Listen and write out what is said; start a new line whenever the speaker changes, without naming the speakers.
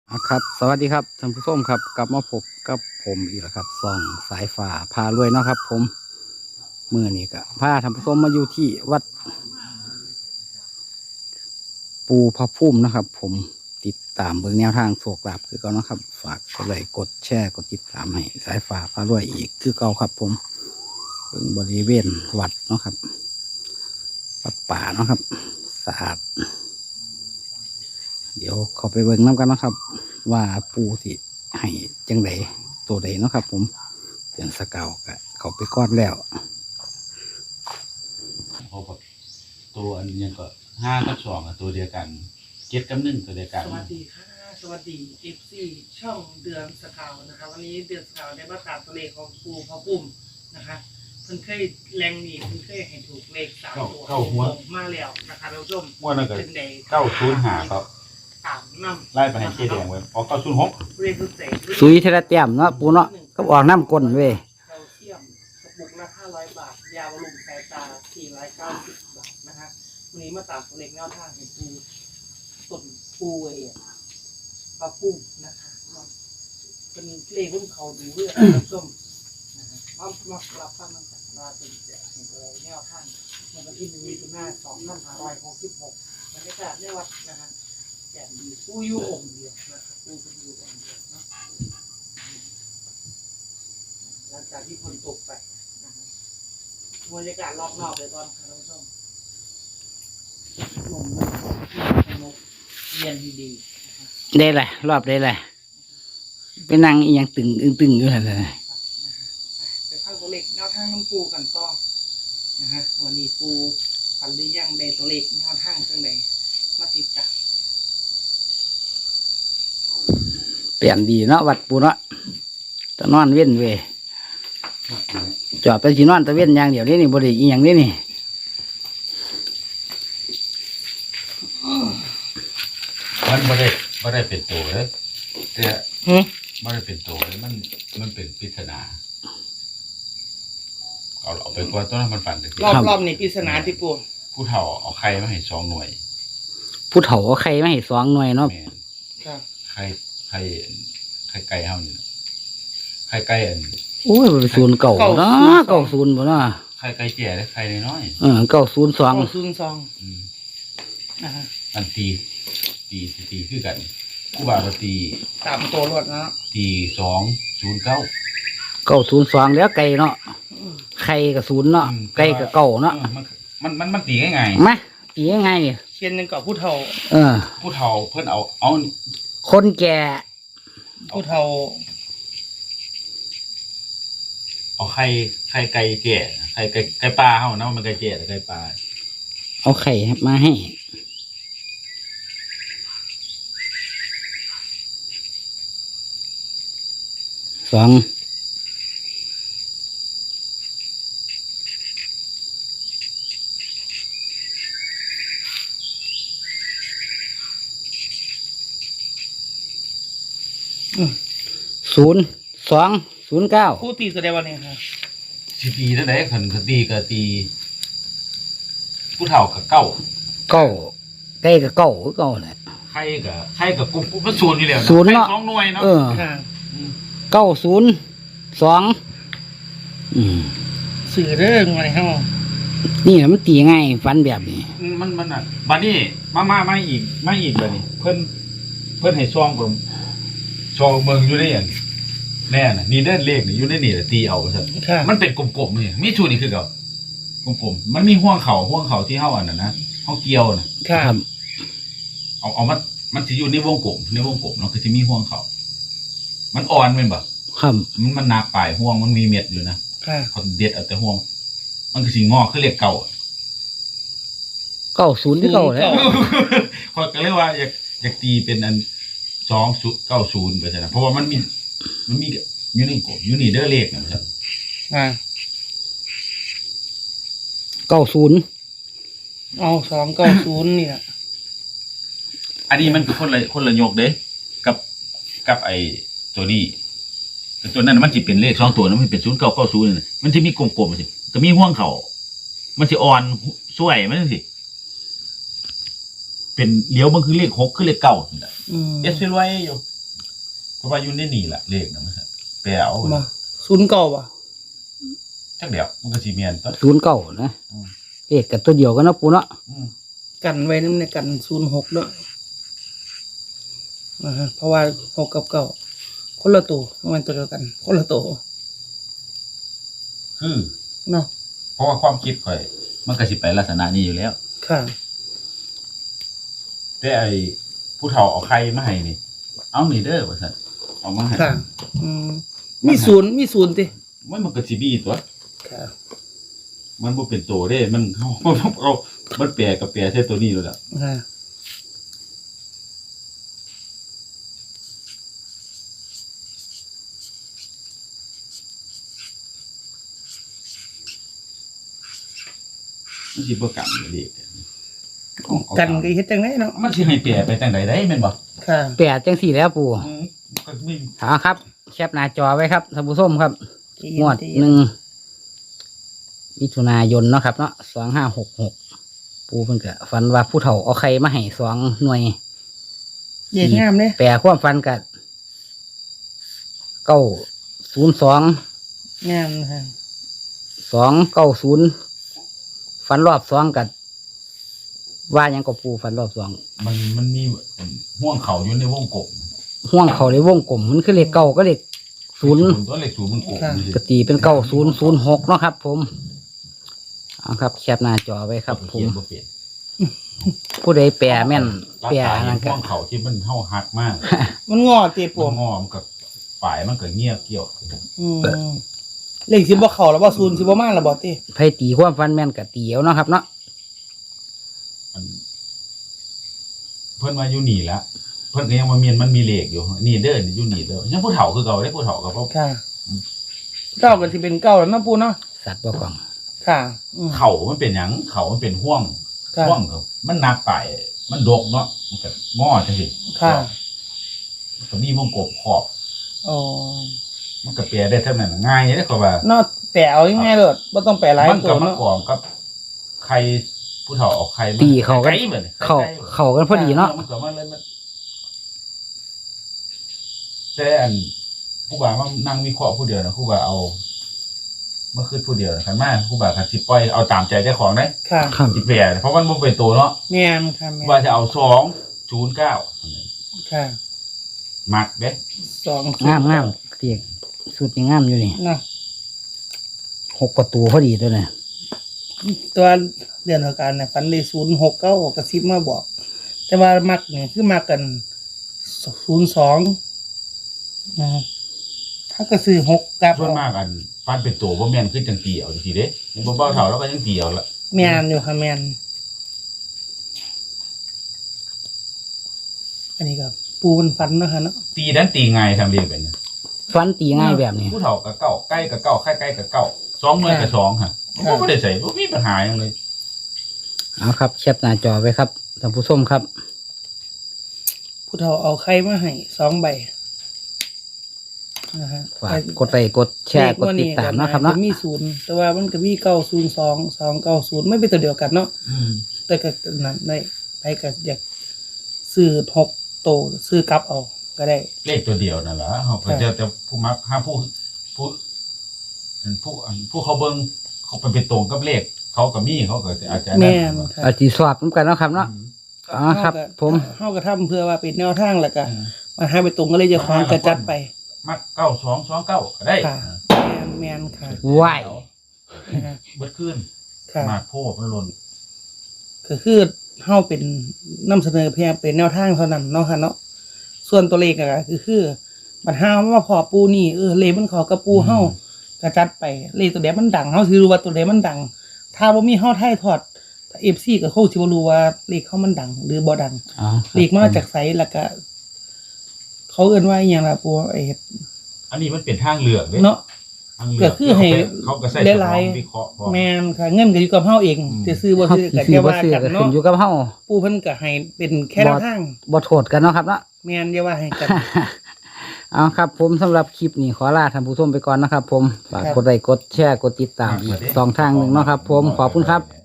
ครับสวัสดีครับท่านผู้ชมครับกลับมาพบกับผมอีกแล้วครับส่องสายฟ้าพารวยเนาะครับ ผมมื่อนี้ก็พาท่านผู้ชมมาอยู่ที่วัดปูพระพุ่มนะครับ ผมติดตามเบิ่งแนวทางโชคลาภคือเก่าเนาะครับ ฝากกดไลค์กดแชร์กดติดตามให้สายฟ้าพารวยอีกคือเก่าครับ ผมเบิ่งบริเวณวัดเนาะครับวัดป่าเนาะครับสะอาดเดี๋ยวเขาไปเบิ่งน้ำกันนะครับ ว่าปูสิให้จังไดตัวใดเนาะครับ ผมเดือนสะเกาก็เขาไปก้อนแล้ว
เขาแบบตัวอันยังก็5 กับ 2ตัวเดียวกัน7 กับ 1ตัวเดียวกัน
สวัสดีค่ะสวัสดีFCช่องเดือนสกาวนะคะวันนี้เดือนสกาวได้มาตามตัวเลขของปูพระปุ่มนะคะเพิ่นเคยแรงหนีเพิ่นเคยให้ถูกเลข3 ตัว
เข้าหัว
มาแล้วนะคะท่านผู้ชม
ม้วนนั่นก็
เป็นใด
905ครับ
ตามนำ
ไล่ไปให้เจ๊แดงไว้พอ906
เรียนรู้ใจ
สุยเทระเตียมเนาะปูเนาะก็ออกน้ำก้นเว้ย
แคลเซียมกระปุกละ500 บาทยาบำรุงสายตา490 บาทนะคะวันนี้มาตามตัวเลขแนวทางให้ปูต้นปูพระปุ่มนะคะเป็นเลขรุ่นเขาดูเรื่องท่านผู้ชมมารับฟังมันจากว่าเป็นเสียงอะไรแนวทางในวันที่1 มิถุนายน 2566บรรยากาศในวัดนะฮะแก่ดีผู้อยู่องค์เดียวนะครับผู้เป็นอยู่องค์เดียวเนาะหลังจากที่ฝนตกไปนะฮะบรรยากาศรอบนอกเลยตอนค่ะท่านผู้ชมลมมันสงบเย็นดีๆ
ได้แหละรอบได้แหละไปนั่งอีหยังตึงอยู่นั่นเลย
ไปพักตัวเล็กแนวทางน้ำปูกันต่อนะฮะวันนี้ปูพันหรือยังได้ตัวเล็กแนวทางเรื่องใดมาติดจ้ะ
เปลี่ยนดีเนาะวัดปูเนาะตะนอนเว้นเว้ยจอดไปสินอนตะเว้นอย่างเดียวนี่นี่บริอีหยังนี่นี่
มันบ่ได้เป็นตัวเลยแต่
หึ
บ่ได้เป็นตัวเลยมันเป็นปริศนาเอาไปก่อนตัวนั้นมันฝันแต่
รอบนี้ปริศนาที่ปู
ผู้เฒ่าเอาไข่มาให้2 หน่วย
ผู้เฒ่าเอาไข่มาให้สองหน่วยเนาะ
แม่น
ค่ะ
ไข่ไก่เฮานี่นะไข่ไก่อัน
โอ้ยมันเป็นศูนย์เก่าเนาะเก่าศูนย์บ่เนาะ
ไข่ไก่แก่และไข่น้อย
เก่าศูนย์สอง
202
ๆ
นะฮะ
อันตีคือกันผู้บ่าวก็ตี
ตามตัวรวดนะ
ตี209
เก่าศูนย์สองแล้วไก่เนาะไข่กับศูนย์เนาะไก่กับเก่าเนาะ
มันตีง่าย
มาตียังไงเนี่ย
เชียนหนึ่งกับผู้เฒ่า
ๆผู้เฒ่าเพิ่นเอา
คนแก่
ผู้เฒ่า
เอาไข่ไก่แก่ไก่ปลาเฮานะมันไก่แก่แต่ไก่ปลา
เอาไข่มาให้สอง0209
ผู้ตีแสดงวันนี้ค่ะ
สิตีเท่าใดคันตีก็ตีผู้เฒ่าก็เก้า
เก้าไก่กับเก้าคือเก้าแหละ
ไข่ก็กุ๊บมันศูนย์อยู่แล้ว
ศูนย์เนาะ
ไข่2 หน่วยเนาะ
ค่ะ
902
สื่อเรื่องอะไรครับ
นี่แหละมันตีง่ายฟันแบบนี้
มันน่ะบัดนี้มาอีกบัดนี้เพิ่นให้ซองผมซองเบิ่งอยู่ในอันแน่น่ะนี่เด้อเลขนี่อยู่ในนี่แหละตีเอาซั่น
ค่ะ
มันเป็นกลมๆนี่มีชูนี่คือเก่ากลมๆมันมีห่วงเข่าที่เฮาอันนั้นนะเฮาเกี่ยวน่ะ
ค่ะ
เอามันสิอยู่ในวงกลมเนาะคือสิมีห่วงเข่ามันอ่อนแม่นบ่
ครับ
มันหนักปลายห่วงมันมีเม็ดอยู่นะ
ค่ะ
เขาเด็ดเอาแต่ห่วง มันคือสิงอกคือเลขเก่า
90ที่เก้าแหล้ว
ข้อยก็เลยว่าอยากตีเป็นอัน290ไปซั่นนะเพราะว่ามันมีอยู่ในกลมอยู่นี่เด้อเลขน่ะครับ
ค่ะ
90
เอา290นี่แหละ
อันนี้มันคือคนละยกเด้กับไอ้ตัวนี้แต่ตัวนั้นมันสิเป็นเลข2 ตัวนะมันเป็น0990นี่มันสิมีกลมๆสิก็มีห่วงเข่ามันสิอ่อนสวยมันจังซี่เป็นเลี้ยวมันคือเลข6คือเลข9นี่แหละ
อืม
เอสไว้อยู่เพราะว่าอยู่ในนี่แหละเลขนะมันแปลเอา
มาศูนย์เก่าป่ะ
จักเดียวมันก็สิเมียนต้น
ศูนย์เก้านะ
อืม
เลขกับตัวเดียวกันเนาะปูเนาะ
กันไว้นั่นเนี่ยกัน06ด้วยเพราะว่า6กับเก้าคนละตัวมันตัวเดียวกัน คนละตัว
คือ
เนาะ
เพราะว่าความคิดข่อย มันก็สิไปลักษณะนี้อยู่แล้ว
ค่ะ
แต่ไอ้ผู้เฒ่าเอาไข่มาให้นี่ เอานี่เด้อว่าซั่นเอามาให้
ค่ะ อืมมีศูนย์ติ
มันก็สิมีตัว
ค่ะ
มันบ่เป็นตัวเด้ มันเอามันแปลกับแปลใส่ตัวนี้แล้วล่ะ
ค่ะ
มันสิบ่กันเลข
กันก็เฮ็ดจังไดเนาะ
มันสิให้แปลไปจังใดได้แม่นบ่
ค่ะ
แปดจังสี่แล้วปู
ก็มี
เอาครับแคปหน้าจอไว้ครับท่านผู้ชมครับ
ใจเย็น
งวด
ใจเย็น
1 มิถุนายนเนาะครับเนาะ2566ปูเพิ่นก็ฝันว่าผู้เฒ่าเอาไข่มาให้2 หน่วย
เย็นงามเด้
แปลความฝันกับ902
งามค่ะ
290ฝันรอบ2กับว่าหยังก็ปูฝันรอบ2
มันมีห่วงเขาอยู่ในวงกบ
ห่วงเขาในวงกลมมันคือเลขเก้าก็เลขศูนย์
ตัวเลขศูนย์มันกบ
กตีเป็น9006เนาะครับ ผมเอาครับแคปหน้าจอไว้ครับ ผ
เขี
ม
ยนบ่เป็น
ผู้ใดแปลแม่น
รัก
แปล
ษา
นั่น
ห่
ก็
วงเขาที่มันเฮาหักมาก
มันงอติป
มั
ว
นงอมกับปลายมันก็เงียบเกี่ยว
อืมเลขสิบ่เข้าแล้วบ่ศูนย์สิบ่มาแล้วบ่ติ
ไผตีความฝันแม่นก็ตีเอาเนาะครับเนาะ
มันเพิ่นมาอยู่นี่ละเพิ่นก็ยังมาเมียนมันมีเลขอยู่นี่เด้อนี่อยู่นี่เด้อยังผู้เฒ่าคือเก่าได้ผู้เฒ่าก็เพราะ
ค่ะเก้าก็สิเป็นเก้าแล้วเนาะปูเนาะ
สัตว์บ่กล่อง
ค่ะอืม
เขามันเป็นหยังเขามันเป็นห่วง
ค่ะ
ห่วงครับมันหนักไปมันดกเนาะมันก็งอจังซี่
ค่ะ
ก็มีวงกบขอบ
อ๋อ
มันก็แปลได้เท่านั้นง่ายเด้อก็ว่า
เนาะแปลเอาง่ายๆเลยบ่ต้องแปลหลาย
มัน
ตั
ก็
ว
มา
เนาะ
กองกับใครผู้เฒ่าเอาใครมา
ตีเขากัน
ไก่บัดนี้
เข้ากันพอดีเนาะ
มันก็มาเลยมันแต่อันผู้บ่าวมันนั่งวิเคราะห์ผู้เดียวนะผู้บ่าวเอาเมื่อคืนผู้เดียวนะคันมาผู้บ่าวคันสิปล่อยเอาตามใจเจ้าของได้
ค่ะ
ครับ
สิแปรเพราะมันบ่เป็นตัวเนาะ
แม่นค่ะแม่
ผู้บ่าวน จะเอา209
ค่ะ
มักเด้
2
งามเตียกสุดนี่งามอยู่นี่
เนาะ
6 ประตูพอดีตัวเนี่ย
ตัวเดือนเท่ากันเนี่ยฝันเลย069กระซิบมาบอก แต่ว่ามักเนี่ยคือมักกัน02นะถ้าก็ซื้อ6กับ
ส่วนมากอันฟันเป็นตัวบ่แม่นคือจังตีเอาจังซี่เด้มันบ่เบาเท่าแล้วก็ยังตีเอาละ
แม่นอยู่ค่ะแม่นอันนี้ก็ปูมันฝันเนาะค่ะเนาะ
ตีดันตีง่ายทำเรียแบบนี้
ฝันตีง่ายแบบนี้
ผู้เฒ่ากับเก้าใกล้กับเก้าใกล้ๆกับเก้า2หน่วยกับ2ฮะบ่ได้ใส่บ่มีปัญหาหยังเลย
เอาครับแคปหน้าจอไว้ครับท่านผู้ชมครับ
ผู้เฒ่าเอาไข่มาให้2 ใบนะฮะ
ฝากกดไลค์กดแชร์กดติดตามเนาะครับเนาะ
มีศูนย์แต่ว่ามันก็มี902 290ไม่เป็นตัวเดียวกันเนาะ แต่ก็นั้นได้ไปก็อยากซื้อ6โตซื้อกลับเอาก็ได้
เลขตัวเดียวนั่นแหละเขาก็จะผู้มักห้าผู้เขาเบิ่งเขาเป็นตรงกับเลขเขากับมีเขาก็อาจจะ
แม่นค่ะ
เอาจีสอบนำกันเนาะครับเนาะ อ๋อครับผม
เฮาก็ทำเพื่อว่าเป็นแนวทางแล้วก็มาให้ไปตรงก็เลยจะคล้องกระจัดไป
มัก9229ก็ได้
ค่ะแม่นค่ะ
ว้าย
นะคะ
เบิดขึ้น
ค่ะ
มากโพดมันหล่น
ก็คือเฮาเป็นนำเสนอเพียงเป็นแนวทางเท่านั้นเนาะค่ะเนาะส่วนตัวเลขก็คือบัดเฮาว่าพอปูนี่เลขมันเขอกระปูเฮากระจัดไปเลขตัวใดมันดังเฮาสิรู้ว่าตัวใดมันดัง ถ้าบ่มีเฮาไทยทอด FC ก็คงสิบ่รู้ว่าเลขเฮามันดัง หรือบ่ดัง
อ๋อ
เลขมาจากไสแล้วก็เขาเอิ้นว่าอีหยังล่ะปูไอ้
อันนี้มันเป็นทางเลือกเด้
เนาะ
ทางเลื
ก็คือให้
เขาก็ใส่ส
ได้
ม
หลา
อย งวิเคราะห์พอ
แม่นค่ะเงินก็อยู่กับเฮาเอง
อืม
จะซื้อบ่
เฮา
ซื้อก็
ซื้
แค่
อบ่
ว่า
ซื้อ
กัน
ก็ขึ้น
เนาะ
อยู่กับเฮา
ปู่เพิ่นก็ให้เป็นแค่แนวทาง
บ่โทษกันเนาะครับเนาะ
แม่นอย่าว่าให้กัน
เอาครับผมสำหรับคลิปนี้ขอลาท่านผู้ชมไปก่อนนะครับ ผมฝาก
ครับ
กดไลค์กดแชร์กดติดตามอีก2 ทางหนึ่งเนาะครับ ผมขอบคุณครับ